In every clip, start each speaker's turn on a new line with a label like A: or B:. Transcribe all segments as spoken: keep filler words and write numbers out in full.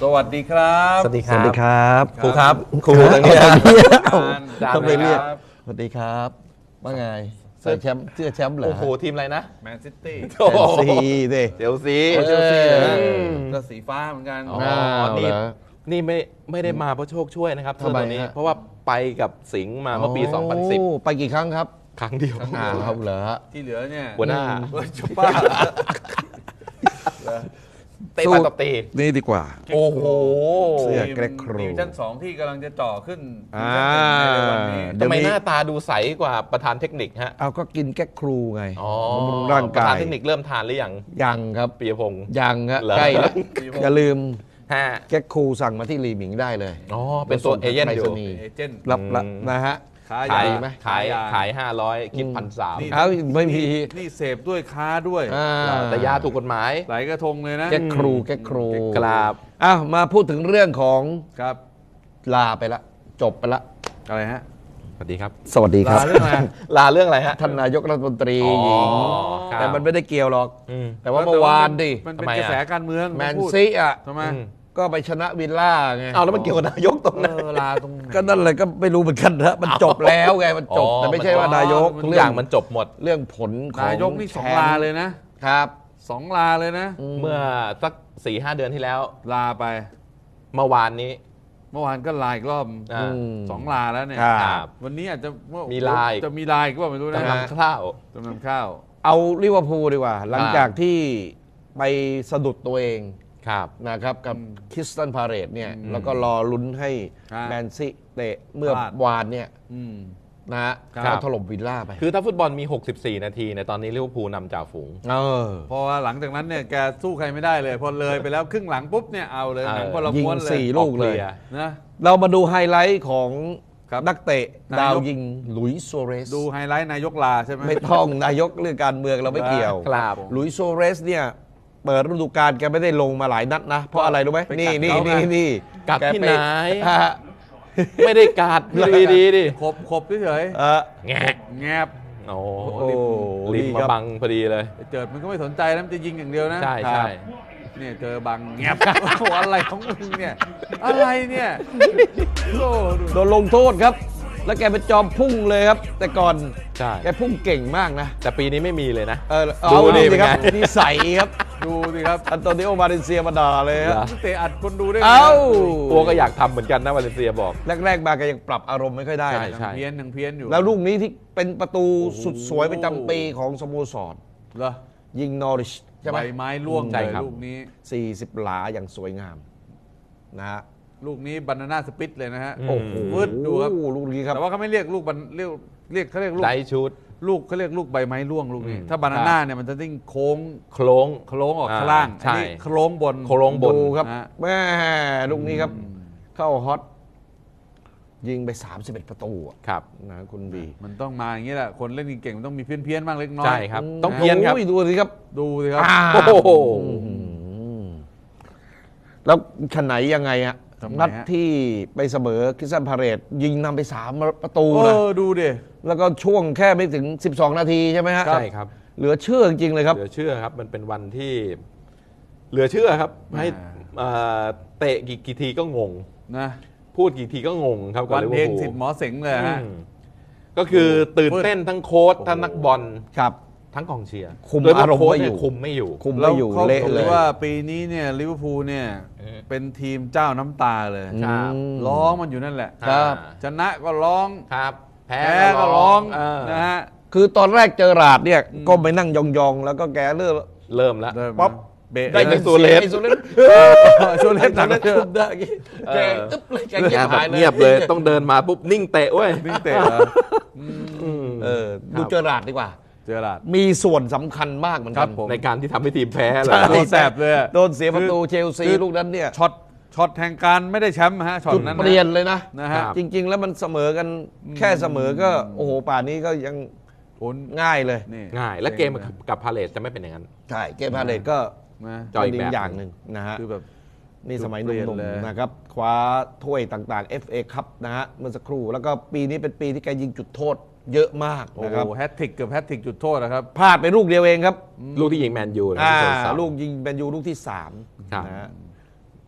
A: วัสดีครับ
B: สวัสดีครับ
C: สวัสดีครับ
B: ครูครับครูตรงนี้
C: ต้องไปเรียกสวัสดีครับว่าไงใส่แชมป์เสื้อแชมป์เหรอ
B: โอ้โหทีมอะไรนะ
A: แมนซิตี้
C: เชลซีดิ
B: เชลซี
A: เชลซี
C: เอ
A: นะ
C: อ
A: ก็สีฟ้าเหมือนกัน
B: อ๋อ
C: าว
B: นี่
C: เหรอ
B: นี่ไม่ไม่ได้มาเพราะโชคช่วยนะครับเสื้อ
C: ทำไม
B: ตัวนี้
C: ฮะ
B: เพราะว่าไปกับสิงห์มาเมื่อปี สองพันสิบ
C: โไปกี่ครั้งครับ
B: ครั้งเดียว
C: อ่าครับเหรอฮะ
A: ที่เหลือเนี่ย
B: หัวหน้า
A: เฮ้ยชุบป้า
B: เตะไปตบตี
C: นี่ดีกว่า
B: โอ้โห
C: เสื้อ แกรกโคร
A: ดิวิชั่นสองที่กำลังจะจ่อขึ้น
C: อ่า
A: ดิวิชั่นหนึ่งในวันนี้
C: เดี๋ยว
B: ทำไม
C: นี้
B: หน้าตาดูใสกว่าประธานเทคนิคฮะ
C: เอาก็กินแก๊กครูไง
B: อ๋อบ
C: ำรุงร่าง
B: ประ
C: กา
B: ธาน
C: ย
B: เทคนิคเริ่มทานหรือยัง
C: ยังครับ
B: ปียพงศ์
C: ยังฮะ
B: เหรอ
C: ใกล้แล้วอย่าลืม
B: ฮะ
C: แก๊กครูสั่งมาที่ลีหมิงได้เลย
B: อ๋อเป็นตัวเอเย่นอยู่
C: ไปรษณีย์
A: เอเจนต์
C: รับละ
B: อืม
C: นะฮะ
A: ค้า
B: ขาย
A: ยา
C: ไหม
B: ขาย
A: ยา
B: ขายห้าร้อยคิดพันสาม
A: นี่
C: เอ้าไม่มี
A: นี่เสพด้วยค้าด้วย
C: อ่า
B: แต่ยาถูกกฎหมาย
A: หลายกระทงเลยนะ
C: แก๊กครูแก๊กครู
B: กราบ
C: อ้าวมาพูดถึงเรื่องของ
A: ครับ
C: ลาไปละจบไปละ
A: อะไรฮะ
B: สวัสดีครับ
C: สวัสดีครับ
A: ลาเรื่องอะไร
B: ลาเรื่องอะไรฮะ
C: ท่านนายกรัฐมนตรี
B: อ๋อ
C: หญิง
B: ครับ
C: แต่มันไม่ได้เกี่ยวหรอก
B: อืม
C: แต่ว่าเมื่อวานดิ
A: มันเป็น
B: ทำไม
A: ก
B: อะ
A: ระแสการเมือง
C: แมน
A: พูด
C: ซีอ่ะ
A: ทำไม
B: อืม
C: ก็ไปชนะวิลล่าไง
B: เอาแล้วมันเกี่ยวกับนายกตรง
A: เอ
B: นั้น
A: อลาตรงไหน
C: ก็นั่นเลยก็ไม่รู้เหมือนกันนะมันจบแล้วไงมันจบ
B: อ๋อ
C: แต่ไม่ใช่ว่านายก
B: ทุกอย่างมันจบหมด
C: เรื่องผลของ
A: นายกนี่สอง
C: แชมป์
A: ลาเลยนะครับ สองลาเลยนะ
B: เมื่อสักสี่ห้าเดือนที่แล้ว
A: ลาไป
B: เมื่อวานนี้
A: เมื่อวานก็ลาอีกรอบ
B: อ่า
C: ม
A: สองลาแล้วเนี่ย
C: ครับ
A: วันนี้อาจจะ
B: มีลาอีก
A: จะมีลาอีกก็ไม่รู้นะ
B: จำนำข้าว
A: จำนำข้าว
C: เอาลิเวอร์พูลดีกว่า หลังจากที่ไปสะดุดตัวเอง
B: ครับ
C: นะครับกับ
A: อืม
C: คริสตันพาเรตเนี่ย
A: อืม
C: แล้วก็รอลุ้นให้
A: ครับ
C: แมนซีเตะเมื่อ
A: พลาด
C: วานเนี่ย
A: อืม
C: นะฮะ
A: ครับ
C: ก็ถล่มวิลล่าไป
B: คือถ้าฟุตบอลมี หกสิบสี่ นาทีในตอนนี้ลิเวอร์พูลนำจ่าฝูง
C: เออ
A: เพราะว่าหลังจากนั้นเนี่ยแกสู้ใครไม่ได้เลย พอเลยไปแล้วครึ่งหลังปุ๊บเนี่ยเอาเลย
B: เออ
A: หนังคนละ
C: ยิง
A: ม้วนเลย
C: สี่ลูกเลย
B: ออ
A: นะ
C: เรามาดูไฮไลท์ของ
A: ครับ
C: นักเตะ
A: นายก
C: ดาวยิงหลุยส์โซเรส
A: ดูไฮไลท์นายกลาใช่ไหม
C: ไม่ต้องนายกเรื่องการเมืองเราไม่เกี่ยว
B: ครับ
C: หลุยส์โซเรสเนี่ยเปิดฤดูกาลแกไม่ได้ลงมาหลายนัดนะ เพราะอะไรรู้ไหม
A: ไปกัด
C: นี่นี่
A: เขาไง
C: นี่นี่
B: กัด
C: แ
B: ที่ไหน
C: ฮะ
B: ไม่ได้การดดีดีๆดิ
A: ขบขบเฉย
C: เออ
B: แงะ
A: ๆแงบ
B: โอ้
C: โอ้
B: ริม
C: นี่
B: มา
C: ครับ
B: บังพอดีเลย
A: ไอ้เจิดมันก็ไม่สนใจแล้วมันจะยิงอย่างเดียวนะ
B: ใช่ใช่
A: เนี่ยเจอบังแงบ โอ้โหอะไรของมึงเนี่ยอะไรเนี่ยโอ้ดู
C: โดนลงโทษครับ แล้วแกเป็นจอมพุ่งเลยครับ แต่ก่อน
B: ใช่
C: แกพุ่งเก่งมากนะ
B: แต่ปีนี้ไม่มีเลยนะ
C: เออ
B: ดู
C: เอา
B: ดิ
C: ดิครับ
B: เป็นไง
C: นิสัยครับ
A: ดูสิครับ
C: อันโตนิโอมาเลเซียมาด่าเลยครับ
A: เตะอัดคนดูได้ไง
C: เอ้า
B: ตัวก็อยากทำเหมือนกันนะวาเลนเซียบอก
C: แรกๆมาแกยังปรับอารมณ์ไม่ค่อยได้
B: ใช่
C: นะ
A: ยังเพี้ยนยังเพี้ยนอยู่
C: แล้วลูกนี้ที่เป็นประตูสุดสวยประจำปีของสโมสร
A: เหรอ
C: ยิงนอริชใช่ไหม
A: ใบไม้ร่วง
B: ใช่
A: เลย
B: ครับ
A: ลูกนี้
C: สี่สิบหลาอย่างสวยงามนะฮะ
A: ลูกนี้บานาน่าสปิตเลยนะฮะ
B: อืม
C: โอ้โห
A: วืดดูครับ
C: ลูกนี้ครับ
A: แต่ว่าเขาไม่เรียกลูกบันเรียกเรียกเขาเรียกลูก
B: ได้ชุด
A: ลูกเขาเรียกลูกใบไม้ร่วงลูกนี้
B: อืม
A: ถ้าบานาน่าเนี่ยมันจะติ้งโค้ง
B: โคล้ง
A: โค้งออก
B: อ่า
A: ข้างล่าง
B: ใช่
A: อันนี้โค้งบน
B: โค้งบน
C: ดูครับ
A: นะฮะ
C: แม่ลูกนี้ครับ
A: อืม
C: เข้าฮอต ยิงไปสามสิบเอ็ดประตูอะ
B: ครับ
C: นะคุณบี
A: มันต้องมาอย่างนี้แหละคนเล่นเก่งๆมันต้องมีเพี้ยนๆบ้างเล็กน้อย
B: ใช่ครับ ต้องเพี้ยนครับ
C: โอ้ดูสิครับ
A: ดูสิครับ
C: อ้าว
B: โอ้โห
C: อืมแล้วขนไหนยังไงฮะ
A: ทำไมฮะ
C: นัดที่ไปเสมอคริสตันพาเรตยิงนำไปสามประตู
A: เอ
C: นะ
A: อดูดิ
C: แล้วก็ช่วงแค่ไม่ถึงสิบสองนาทีใช่ไหมฮะ
B: ใช่ครับ
C: เหลือเชื่อจริงๆเลยครับ
B: เหลือเชื่อครับ มันเป็นวันที่เหลือเชื่อครับ ให้
A: อ่า
B: เอ่อเตะกี่กี่ทีก็งง
A: นะ
B: พูดกี่ทีก็งงครับกับ
A: วัน
B: ลิเว
A: เพ
B: อ
A: ลง
B: ร์พูล
A: สิทธิ์หมอเสงเลยฮะ
B: อืมก็คือตื่นเต้นทั้งโค้ชทั้งนักบอล
C: ครับ
B: ทั้งกองเชียร์
C: คุม
B: โดยเฉพ
C: อารมณ์
B: โค้ช
C: ไม่อยู่
B: เนี่คุมไม่อยู่
C: คุมไม่อยู่
A: เขา
C: เละ
A: บอก
C: เลย
A: ว่าปีนี้เนี่ยลิเวอร์พูลเนี่ย
B: อืม
A: เป็นทีมเจ้าน้ำตาเลย
B: ครับ
C: อืม
A: ร้องมันอยู่นั่นแหละ
C: ครับ
A: ชนะก็ร้อง
B: ครับ แพ้
A: แพ้ก็ร้อง
B: เออ
A: นะฮะ
C: คือตอนแรกเจอราดเนี่ย
A: อืม
C: ก็ไปนั่งยองๆ แล้วก็แกเลือก
B: เริ่มแล้ว
A: เริ่ม
C: ป๊อป
A: เบะ
B: ได้
A: ได้
B: โซเลส
C: ไอ้โซเลส
A: โซเลสหนัก
C: ไอ้
A: เชื่อ
C: คุมได้แกอึ๊บเลยแกเงียบหายเลย
B: เงียบเลยต้องเดินมาปุ๊บนิ่งเตะเว้ย
A: วิ่งเตะเหรอ
B: อืม
C: เออดูเจอราดดีกว่า
A: เจอหลาด
C: มีส่วนสำคัญมากเหมือน
A: ค
C: กั
A: รั
C: น
A: บผม
B: ในการที่ทำให้ทีมแพ้เหร
C: ใช่
B: อ
A: โดนแสบเลยอะ
C: โดนเสียประตู
A: คือ
C: เชลซี
A: คือ
C: ลูกนั้นเนี่ย
A: ช็อตช็อตแห่งการไม่ได้แชมป์ฮะช็อต
C: จุด
A: นั้น
C: เปลี่ยนเลยนะ
A: นะฮะ
B: ครับ
C: จริง ๆ แล้วมันเสมอกันแค่เสมอก็ โอ้โห ป่านนี้ก็ยัง
A: ผล
C: ง่ายเลย
A: นี่
B: ง่าย และเกมกับพาเลตจะไม่เป็นอย่างนั้น
C: ใช่ เกมพาเลตก็
A: นะ
B: จอยอีกแบบ
C: อย่างหนึ่งนะฮะ
A: คือแบบ
C: นี่สมัยห
A: จุดเปลี่ยน
C: นุ่ม
A: เลย
C: ๆนะครับ คว้าถ้วยต่างๆ เอฟ เอ คัพนะฮะเมื่อสักครู่ แล้วก็ปีนี้เป็นปีที่แกยิงจุดโทษเยอะมาก
A: โอ้
C: นะครับ
A: โหแฮตทริกเกือบแฮตทริกจุดโทษนะครับ
C: พลาดไปลูกเดียวเองครับ
B: ลูกที่ยิงแมนยูนะ
C: อ่า
B: ที่โดนเสา
C: ลูกยิงเป็นยูลูกที่สาม
B: ครับ
C: นะฮะ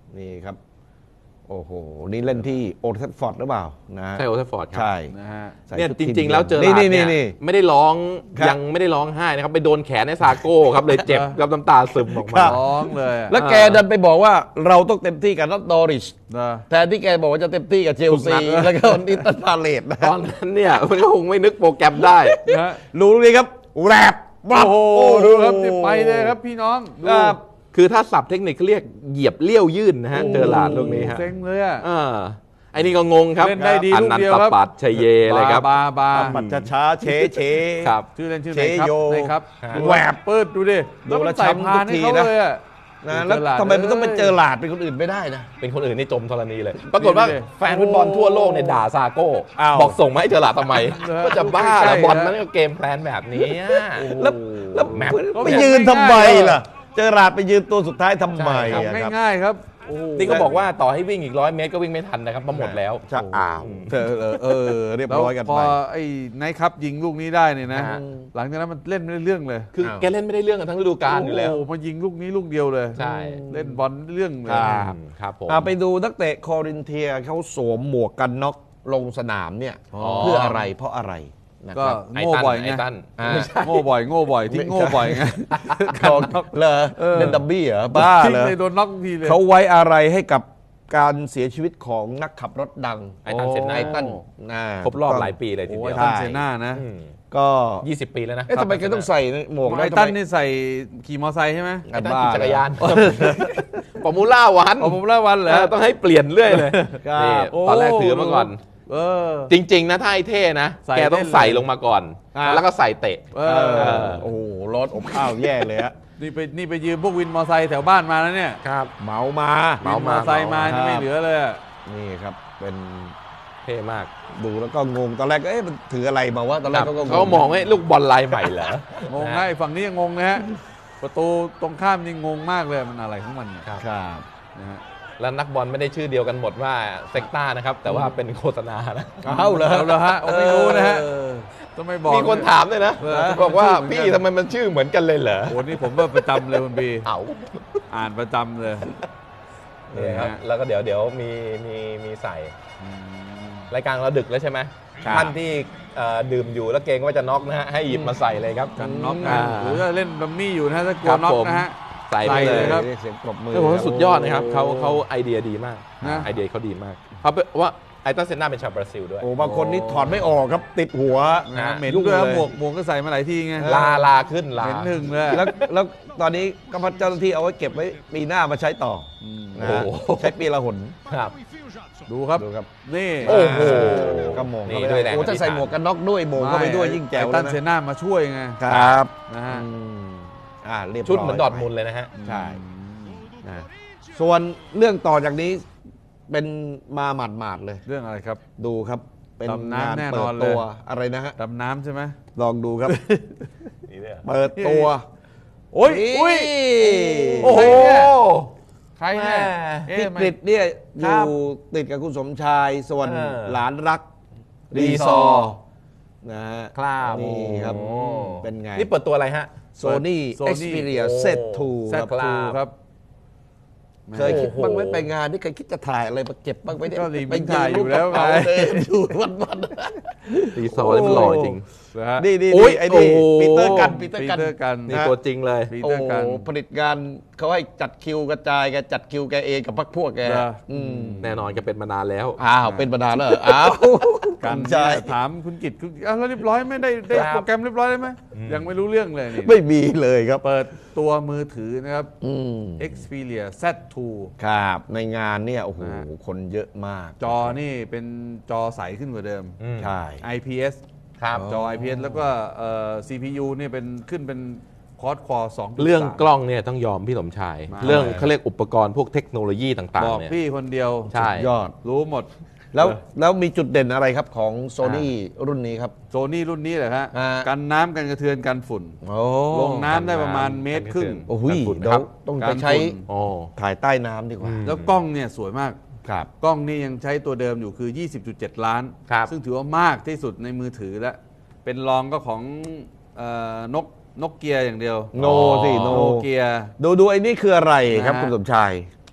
C: นี่ครับโอ้โหนี่เล่นที่โอลด์แทฟฟอร์ดหรือเปล่านะ
B: ใช่โอเทฟอร์ดครั
C: ใช่
A: นะฮะ
C: ใส่
B: เนี่ย
C: ชุด
B: จ
C: ทีม
B: ริง ๆ แล้วเจอ
C: นี่
B: ราร์ด
C: นี่
B: เนี่ย
C: นี่
B: ไม่ได้ร้อง
C: ครับ
B: ยังไม่ได้ร้องไห้นะครับไปโดนแขนในซาโก้ครับเลยเจ็บกับน้ำตาซึมออกมา
A: ร้องเลยอะ
C: แล้วแกดันไปบอกว่าเราต้องเต็มที่กับนัทดอริช
A: นะ
C: แทนที่แกบอกว่าจะเต็มที่กับเชลซี
B: ทุกนัด
C: แล้วก็นิตันพาเลตนะ
B: ตอนนั้นเนี่ยมันก็คงไม่นึกโปรแกรมได้
A: นะ
C: รู้เลยครับแรบ
A: โอ้โหดูครับนี่ไปเลยครับพี่น้องดู
C: ครับ
B: คือถ้าศัพท์เทคนิคเขาเรียกเหยียบเลี้ยวยื่นนะฮะเจอหลาดลูกนี้ฮะ
A: เซ็งเลยอ่ะ
B: อ่าไอ้นี่ก็งงครับ
A: เล่นได้ดี
B: อั
A: ลูก
B: นัน
A: เดียว
B: ต
A: ครับ
B: ปัตชัยเยเลยครับ
A: บาบา
C: ปัดช้าๆเชเช
B: ครับ
A: ชื่อเล่นชื่อ
C: เช
A: ไหนครับ
C: โย
A: ไหนครับ
B: ฮะ
A: แหวบเปิดดูดิ
C: ดูแล้ว
A: มันใส่
C: ช้ำ
A: พาน
C: ทุกที
A: ให้เขา
C: นะ
A: เลยอ่ะ
C: นะแล้วทำไมมันต้องไปเจอหลาดเป็นคนอื่นไม่ได้นะ
B: เป็นคนอื่นนี่จมธรณีเลย ปรากฏว่า
A: นี่ดิ
B: แฟนฟุตบอลทั่วโลกเนี่ยด่าซาโก้
C: อ้าว
B: บอกส่งมาให้เจอหลาดทำไม
A: เหรอ
B: ก็จะบ้า
A: ใกล้
B: แล้ว
A: ๆ
B: บอล
A: นะ
B: มันก็เกมแพลนแบบนี้อะ
C: แล้วแล้ว
B: แมป
C: ไปยืนทำไมล่ะ เจอหลาดไปยืนตัวสุดท้ายทำไม
B: ใช่
C: อะ
A: ทำ
C: ครับ
A: ง่ายๆครับโอ้โห
B: นี่ก็บอกว่าต่อให้วิ่งอีกร้อยเมตรก็วิ่งไม่ทันนะครับเพราะหมดแล้ว
C: จะอ้าวเออเออเออเรียบ
A: แล้ว
C: ร้อยกัน
A: พอ
C: ไป
A: ไอ้ไนท์ครับยิงลูกนี้ได้เนี่ยนะ
B: ฮะ
A: หลังจากนั้นมันเล่นไม่ได้เรื่องเลย
B: คือแกเล่นไม่ได้เรื่องกันทั้งฤดูกาลอยู่แล้ว
A: โอ้โหมายิงลูกนี้ลูกเดียวเลย
B: ใช่
A: เล่นบอลเรื่องเลย
C: ครับ
B: อืมครับผม
C: อ่ะไปดูนักเตะคอรินเทียเขาสวมหมวกกันน็อกลงสนามเนี่ย
A: อ๋อ
C: เพื่ออะไรเพราะอะไรนะ
A: ก็
C: ครับ
B: ไอ้
A: โง่
B: ตัน
A: บ่อยไง
B: ไอ้ตัน
C: อ่า
B: ไม่ใช่
A: โง่บ่อยโง่บ่อยที่โง่บ่อยไง
C: ของเหรอ
A: เออ
C: เล่นดับบี้เหรอบ้า
A: ทิ้ง
C: เหรอ
A: เลยโดนน็อกทุกทีเลย
C: เขาไว้อะไรให้กับการเสียชีวิตของนักขับรถดัง
B: ไอ้ตันเซนนา
C: ไอ้ตันนะ
B: ครบรอบหลายปีเลยที
A: โอ้
B: เดี
A: ย
B: ยว
A: ตันเซน่านะ
B: อืม
C: ก็
B: ยี่สิบปีแล้วนะ
C: เอ๊ะทำไมแกต้องใส่หมวกได้
A: ไอ้
C: ทำ
A: ตัน
C: ไม
A: นี่ใส่ขี่มอเตอร์ไซค์ใช่ไหม
B: ไอ้ตัน
C: บ้า
B: ขี่จักรยานฟอร์มูล่าวัน
A: เอาผมละวันเหร
B: เอ
A: อ
B: อต้องให้เปลี่ยนเรื่อยเลย
C: ครับ
B: นี่ตอนแรกถือมาก่อน
A: เออ
B: จริง ๆ นะถ้าไอ้เท่นะ
A: ใส่
B: แกต้อง
A: เล่นเลย
B: ใส่ลงมาก่อน
C: อ่ะ
B: แล้วก็ใส่เตะ
A: เอ
C: เอ
A: อ
C: อโอ้โหรถอบอ้าวแย่เลยฮะ
A: นี่ไปนี่ไปยืมพวกวินมอเตอร์ไซค์แถวบ้านมาแล้วเนี่ย
B: ครับ
C: เมามา
B: เมา
A: วินมอเตอร์ไซค์มานี่ไม่เหลือเลยอะ
C: นี่ครับเป็น
B: เท่มาก
C: ดูแล้วก็งงตอนแรกก็เอ๊ะมันถืออะไรมาวะตอนแรกเขาก็งง
B: เขามองว่าลูกบอลลายใหม่เหรอ
A: งงให้ฝั่งนี้ยังงงนะฮะประตูตรงข้ามนี่งงมากเลยมันอะไรของมันเนี่ย
B: ครับ
C: ครับ
A: นะฮะ
B: แล้วนักบอลไม่ได้ชื่อเดียวกันหมดว่าเซกต้านะครับ แต่ว่าเป็นโฆษณานะ
C: เอาเลย
A: เอาเลยฮะผมไม่รู้นะฮะต้องไม่บอก
B: มีคนถามเลยนะ
A: เออ
B: บอกว่า
A: ชื่อเหมือนกัน
B: พี่ทำไมมันชื่อเหมือนกันเลยเหรอ
A: โอ้นี่ผมว่าประจำเลยคุณบี
B: เอา
A: อ่านประจำเลย
B: นี่ครับ
A: ฮะ
B: แล้วก็เดี๋ยวเดี๋ยวมีมีมีใส่
A: อืม
B: รายการเราดึกแล้วใช่ไหม
C: ครับ
B: ท่านที่เอ่อดื่มอยู่แล้วเกรงว่าจะน็อกนะฮะให้หยิบมาใส่เลยครับ
A: กันน็อก
B: อ่า
A: นะหรือว่าเล่นดัมมี่อยู่นะฮะถ้ากลั
B: ครั
A: ว
B: บ
A: น็อก
B: ผม
A: นะฮะ
B: ใส่ไป
A: ใส่
B: เล
A: เลย ยครับ
C: เรียกเสียงปรบมือ
B: คือผมว่าสุดยอดนะครับ
C: โ
B: เขาเขาไอเดียดีมาก
A: นะ
B: ไอเดียเขาดีมากเขาเป็นว่าไอตันเซนนาเป็นชาวบราซิลด้วย
C: โอ้บางคนนี่ถอดไม่ออกครับติดหัว
A: นะฮะเหม็น
C: ยุ่ง
A: ด้วยครับ
C: เลย
A: หมวกหมวกก็ใส่มาหลายทีไง
B: ลาลาขึ้นลา
A: เหม็นหนึ่งเลย
C: แล้วแล้วตอนนี้ก็พัดเจ้าหน้าที่เอาไว้เก็บไว้ปีหน้ามาใช้ต่อ
A: อืม
C: นะฮะ
B: โอ้โห
C: ใช้ปีละหน
B: ครับ
A: ดูครับ
C: ดูครับ
A: นี่
B: โอ้โห
C: ก็มอง
B: นี่
C: เข้าไป
B: ด้วยแรง
C: โอ้ถ้าใส่
B: อธิษฐาน
C: หมวกกันน็อกด้วยโมงเข้าไปด้วยยิ่งแจ๋ว
A: ไอ้
C: เล
A: ตั
C: ย
A: น
C: นะ
A: เซน่ามาช่วยไง
C: ครับ
A: นะฮะ
C: อืมอ่าเรียบร้อย
B: ชุดเหมือนดอร์ทมุนด์เลยนะฮะ
C: ใช่นะส่วนเรื่องต่อจากนี้เป็นมาหมาดๆเลย
A: เรื่องอะไรครับ
C: ดูครับเป็น
A: ดำน้ำ
C: งาน
A: แน่
C: เปิ
A: นอ
C: ด
A: นเลย
C: ตัวอะไรนะฮะ
A: ดำน้ำใช่ไหม
C: ลองดูครับ
B: นี่ด้วย
C: เปิดตัว
A: โอ้ย
C: นี่
A: อุ้ย
B: โอ้โห
A: ใครเนี่ย
B: แม่
A: เอ๊ะ
C: พี่
A: มัน
C: กฤษเนี่ยอ
B: ครั
C: ยู่
B: บ
C: ติดกับคุณสมชาย ส่วน
B: เออ
C: หลานรัก
B: รี
C: รี
B: ซ
C: ซ
B: อ
C: อ
B: ร์
C: ร์นะฮะ
B: ครับ
C: นี่ครับ
B: โอ้
C: เป็นไง
B: นี่เปิดตัวอะไรฮะ
C: โซนี่
A: Sony
C: Xperia
B: โอ้
C: Z ทู
A: แซ
C: ค
A: ด
C: รับ
A: ทูครับ
C: เคยคิด
B: โอ้โห
C: บ้างไหมไปงานนี่เคยคิดจะถ่ายอะไรมาเก็บบ้างไหมเนี่ย
A: ก็รีบ
C: ไป
A: ถ่ายอยู่แล้ว
C: กระเป๋า
A: ไง
C: เดินอยู่วัน
B: รีซอร์นี่มันหล่อจริง
A: นะฮะ
C: ๆนี่นี่
B: โอ้ย
C: ไอ้นี่
B: โอ้
C: ปีเตอร์กันปี
A: ปี
C: เตอร์กัน
A: เตอร์กัน
B: นี่ตัวจริงเลย
A: ปี
C: โอ้
A: เตอร์กัน
C: ผลิตงานเขาให้จัดคิวกระจายแกจัดคิวแกเองกับพรรคพวกแก
A: เหรอ
C: อืม
B: แน่นอนก็เป็นมานานแล้ว
C: อ้าวเป็นประธานแล้วเหรออ้าว
A: กัน
C: ใช่
A: เนี่ยถามคุณกิตคุณอ้าวแล้วเรียบร้อยไหม่ได้ได้
B: ครับ
A: โปรแกรมเรียบร้อยได้ไหมยังไม่รู้เรื่องเลยนี่
C: ไม่มีเลยครับ
A: เปิดตัวมือถือนะครับ
C: อืม
A: Xperia แซดทู
C: ครับในงานเนี่ยโอ้โห
A: นะฮะ
C: คนเยอะมาก
A: จอนี่เป็นจอใสขึ้นกว่าเดิม
B: อืม
C: ใช่
A: ไอ พี เอส
B: ครับ
A: จอ ไอ พี เอส แล้วก็เอ่อ ซี พี ยู เนี่ยเป็นขึ้นเป็นคอร์ดคอร์สอง
B: เรื่องกล้องเนี่ยต้องยอมพี่สมชาย
A: มา
B: เรื่องเขาเรียกอุปกรณ์พวกเทคโนโลยีต่าง
A: บอก
B: ๆเนี่ย
A: พี่คนเดียว
B: ใช่
C: ยอด
A: รู้หมด
C: แล้วแล้วมีจุดเด่นอะไรครับของโซนี่รุ่นนี้ครับ
A: โซนี่รุ่นนี้แหละฮะ
C: อ่า
A: กันน้ำกันกระเทือนกันฝุ่น
C: โอ้
A: ลงน้ำได้ประมาณ
B: กันน้ำ
A: เมตรครึ่ง
C: โอ้โห
B: กันฝุ่น
C: เดี๋ย
B: ครั
C: ว
B: บ
C: ต้อง
A: กา
C: ไป
A: ร
C: ใช้
A: ฝุ่น
B: โอ้
C: ถ่ายใต้น้ำดีกว่า
B: อืม
A: แล้วกล้องเนี่ยสวยมาก
C: ครับ
A: กล้องนี่ยังใช้ตัวเดิมอยู่คือ ยี่สิบจุดเจ็ด ล้าน
B: ครับ
A: ซึ่งถือว่ามากที่สุดในมือถือแล้ว เป็นรองก็ของเอ่อนกนกเกียร์อย่างเดียว
C: โนสิโน
A: โนเกียร์
C: ดูดูไอ้นี่คืออะไรครับ
A: นะฮะ
C: คุณสมชาย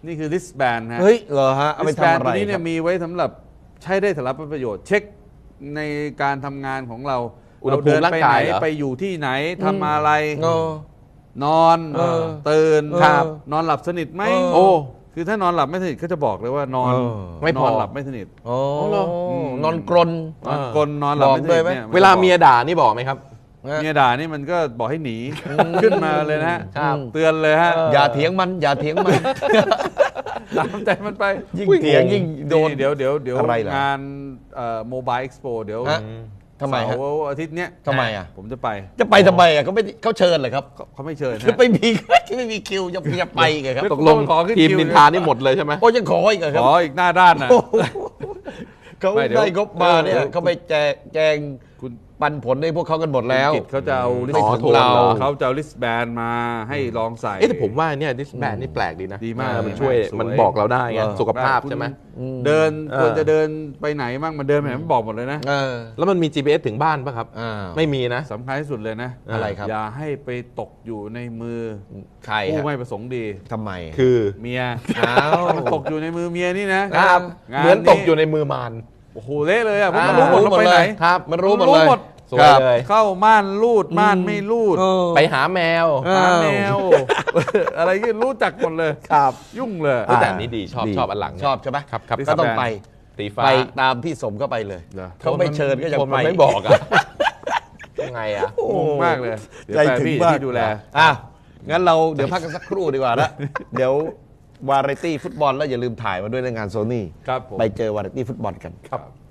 A: นี่คือ wristband ฮะ
C: เฮ้ยเหรอฮะเอาไปทำ
A: wristband
C: อะไร
A: ตัวนี้
C: ค
A: เนี่
C: รั
A: ย
C: บ
A: มีไว้สำหรับใช้ได้สำหรับประโยชน์ เช็คในการทำงานของเรา
B: อุณหภูมิ
A: เดินไปไหน
B: ร่างกายเหรอ
A: ไปอยู่ที่ไหนทำอะไร
C: เออ
A: นอน
C: เออ
A: ตื่น
C: ครับ
A: นอนหลับสนิทไหม
C: เออ
B: โอ้
A: คือถ้านอนหลับไม่สนิทเขาจะบอกเลยว่านอน
C: เออ
B: ไม่พอ
A: นอนหลับไม่สนิท
C: โอ้
B: เหรอ
C: นอนกรน
A: นอนกลนนอนหลับไม่ส
C: บอกด้วย
A: นิท
C: ไหม
A: เนี่ย
B: เวลาเมียด่านี่บอกไหมครับ
A: เมียด่านี่มันก็บอกให้หนีขึ้นมาเลยนะฮะ
B: ครับ
A: เตือนเลยฮะ
C: อย่าเถียงมันอย่าเถียงมัน
A: ตามใจมันไป
C: ยิ่งเถียงยิ่งโดน
A: เดี๋ยวเดี๋ยวเดี๋ยว
C: อะไรเหรอ
A: งานโมบายเอ็กซ์โปเดี๋ยว
C: ฮะ ทำไมฮะ
A: เสาร์อาทิตย์เนี้ย
C: ทำไมอ่ะ
A: ผมจะไป
C: จะไปทำไมอ่ะเขาไม่เขาเชิญเหรอครับ
A: เขาเขาไม่เชิญ
C: คือ
A: ฮะ
C: ไม่มี ไม่มีคิวจะจะไปไงครับ
B: ตกลง
A: ขอขึ้น
B: ทีม
A: คิว
B: นินทานี่หมดเลยใช่ไหม
C: โอ้ยังขออีกเหรอค
A: ข
C: รับ
A: ออีกหน้าด้านนะ
C: โอ้โหเขา
A: ไม่เดี๋ยว
C: ได้งบมาเนี่ย
A: เออ
C: เขาไปแจกแจง
A: คุณ
C: ปันผลให้พวกเขากันหมดแล้ว
A: กิจเขาจะเอาลิ
B: อ๋
A: ส
B: อ
A: ต์
B: โทรเหรอ
A: เขาจะเอาลิสต์แบนมาให้ลองใส่
B: เอ๊ะแต่ผมว่าเนี่ยดิสแบนนี่แปลกดีนะ
A: ดีมาก
B: เออมันช่วย
A: สวย
B: มันบอกเราได้ไง
C: เออ
B: สุขภาพ
A: คุณ
B: ใช่ไหม
A: เดิน
B: เออ
A: ควรจะเดินไปไหนบ้างมันเดินไปไหนมันบอกหมดเลยนะ
C: เออ
B: แล้วมันมี จี พี เอส ถึงบ้านป่ะครับ
C: อ้าว
B: ไม่มีนะ
A: สำคัญที่สุดเลยนะ
C: อะไรครับ
A: อย่าให้ไปตกอยู่ในมือ
C: ใคร
A: ผู้
C: ฮะ
A: ไม่ประสงค์ดี
C: ทำไม
B: คือ
A: เมีย
C: อ้าว
A: มันตกอยู่ในมือเมียนี่นะครับ งา
B: เหมือนตกอยู่ในมือมาร
A: โอ้โหเละเลยอ่ะเพราะมัน
C: อ่า
A: รู้หมด
C: รู้หมด
A: เราไปไหน
C: เลย
B: ครับ
C: มันรู้หมดเลย
B: สวยเลย
A: เข้าม่านรูดม่านไม่รูด
C: เออ
B: ไปหาแมว
C: เออ
A: หาแมว อะไรก็รู้จักหมดเลย
C: ครับ
A: ยุ่งเลย
B: เออแต่อันนี้ดีชอบ
C: ดี
B: ชอบอันหลังเนี่ย
C: ชอบใช่ไหม
B: ครับครับ
C: ก็ต้องไป
B: ตีฟ้า
C: ไปตามพี่สมก็ไปเลย
A: เหรอ
C: เขาไม่เชิญก็ยัง
B: คน
C: ไป
B: มันไม่บอกอะยังไงอะ
C: โอ้
A: งงมากเลยเดี๋ยว
C: ใจ
A: แฟน
C: ถึง
A: พี่
C: มาก
A: ที่ดูแล
C: อ่ะงั้นเราเดี๋ยวพักกันสักครู่ดีกว่านะเดี๋ยววาไรตี้ฟุตบอลแล้วอย่าลืมถ่ายมาด้วยในงานโซนี่
A: ครับผม
C: ไปเจอวาไรตี้ฟุตบอลกัน
A: ครับ